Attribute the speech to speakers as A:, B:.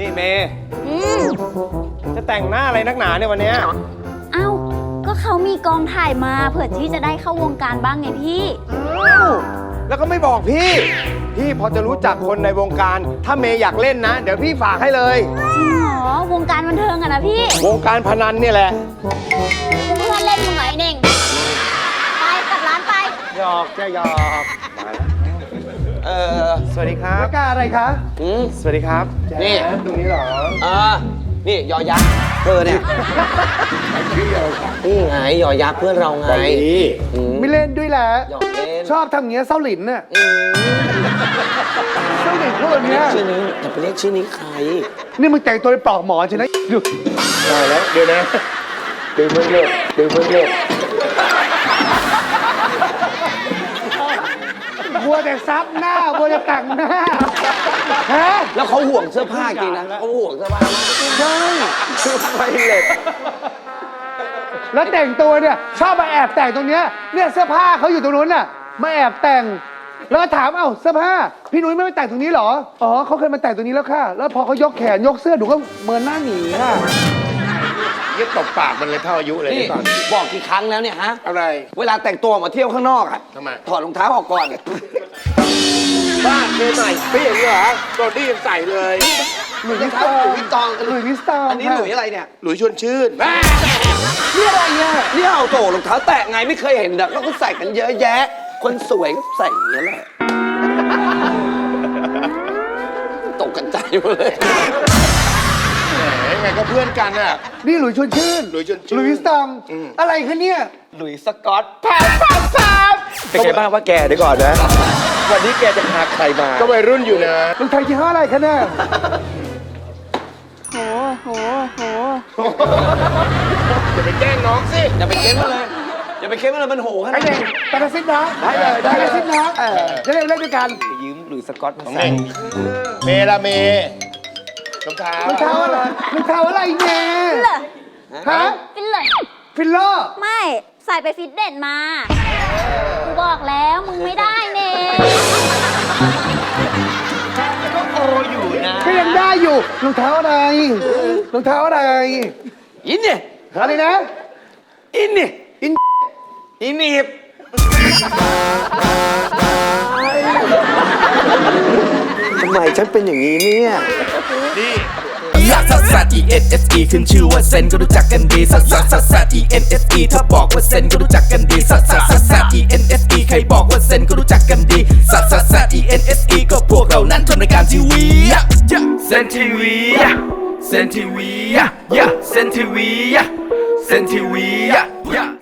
A: เมย์จะแต่งหน้าอะไรนักหนาเนี่ยวันเนี้ย
B: เอ้าก็เขามีกองถ่ายมาเผื่อที่จะได้เข้าวงการบ้างไงพี่
A: อ้าวแล้วก็ไม่บอกพี่ พี่พอจะรู้จักคนในวงการ ถ้าเมย์อยากเล่นนะ เดี๋ยวพี่ฝากให้เลย
B: จริงเหรอวงการบันเทิงอะนะพี่
A: วงการพนันเนี่ยแหละ
B: เพื่อนเล่นมึงไงเน่งไปกลับร้านไป
A: หยอกจะหยอกสวัสดีครับ
C: รายการอะไรคะ
A: สวัสดีครับ
D: นี่
A: ตรงนี้เหรอ
D: นี่ยอยักษ์เธอเนี่ยนี่ไงยอยักษ์เพื่อนเราไง
C: ไม่เล่นด้วยแหละ
D: หยอกเล่น
C: ชอบทำอย่างเงี้ยเศร้าหลินน่ะเศร้าหลินพวกเนี้ย
D: ชื่อนี้อย่าไปเรียกชื่อนี้ใคร
C: นี่มึงแต่งตัวเป็นปลอกหมอนใช่ไหมดู
A: ได้แล้วเดี๋ยวนะดึงเพิ่งเลิกดึงเพิ่งเลิก
C: บัวแต่ซับหน้าบัวแต่แต่งหน้าฮะ
D: แล้วเขาห่วงเสื้อผ้าจริงนะเขาห่วงเสื้อผ้ามาก
C: ใช่
A: ไม่เล็ก
C: แล้วแต่งตัวเนี่ยชอบมาแอบแต่งตรงเนี้ยเนี่ยเสื้อผ้าเขาอยู่ตรงนู้นน่ะมาแอบแต่งแล้วก็ถามเอ้าเสื้อผ้าพี่นุ้ยไม่ไปแต่งตรงนี้เหรออ๋อเขาเคยมาแต่งตรงนี้แล้วค่ะแล้วพอเขายกแขนยกเสื้อดูก็เมินหน้าหนีค่ะ
A: ยึดตบปากมันเลยเท่าอายุเลย
D: นี่
A: ก่อน
D: บอกกี่ครั้งแล้วเนี่ยฮะ
A: อะไร
D: เวลาแต่งตัวออกมาเที่ยวข้างนอกอะ
A: ทำไม
D: ถอดรองเท้าออกก่อน
A: บ้าเมย์ใส่พี่อย่างนี้เหรอตอนนี้ยังใส่เลย
C: หลุยส์
D: ร
C: วิ
D: อง
C: ส
D: เท้า
C: ตอง
D: หลุยส์ตอง
C: หลุยส์วิสตอง
D: อันนี้หลุยอะไรเนี่ย
A: หลุยชวนชื่น
C: นี่อะไรเนี่ย
D: นี่เอาโตรองเท้าแตะไงไม่เคยเห็นนะแล้วก็ใส่กันเยอะแยะ คนสวยก็ใส่อย่างนี้ยแหละตกกันใจหมดเลย
A: ยังไงก็เพื่อนกันอ่ะ
C: นี่หลุยส์ชวนชื่น
A: หลุยส์ชวนชื่น
C: หลุยส์วิสตองอะไรคะเนี่ย
D: หลุยส์สกอต
A: เป็นไงบ้างว่าแกเดี๋ยวก่อนนะ วันนี้แกจะพาใครมา ก็วัยรุ่นอยู่นะ
C: รองเท้ายี่ห้ออะไรคะเนี่ย
B: โหโหโห
A: อย่าไปแกล้งน้องสิ
D: อย่าไปเค้นมาเลยอย่าไปเค้นมาเลยมันโหขนา
C: ไอ้
D: ด
C: เด็ก
D: นี้
C: ตาซิดนะได้เลยตาซิดนะจะเล่นด้วยกัน
D: ยืมหลุยส์สกอตมา
A: ของ
D: ใส่
A: เองเมละเมรองเท้าร
C: องเท้าอะไรรองเท้าอะไรเนี่ย
B: ฟิลเลอร์
C: ฮะ
B: ฟิลเลอร์
C: ฟิลเลอร์
B: ไม่ใส่ไปฟิตเนสมากูบอกแล้วมึงไม่ได้เน่ง
C: ก็ยังได้อยู่รองเท้าอะไรรองเท้าอะไร
D: อินเนี่ย
C: อะไรนะ
D: อินเนี่ย
C: อิน
D: อินนี่ทำไมฉันเป็นอย่างนี้เนี่ย
E: ลักซัสซัส E N S E ขึ้นชื่อว่าเซนก็รู้จักกันดีซัสซัสซัสซัส E N S E ถ้าบอกว่าเซนก็รู้จักกันดีซัสซัสซัสซัส E N S E ใครบอกว่าเซนก็รู้จักกันดีซัสซัสซัส E N S E ก็พวกเรานั้นทำรายการทีวีเซนทีวีเซนทีวีเซนทีวีเซนทีวี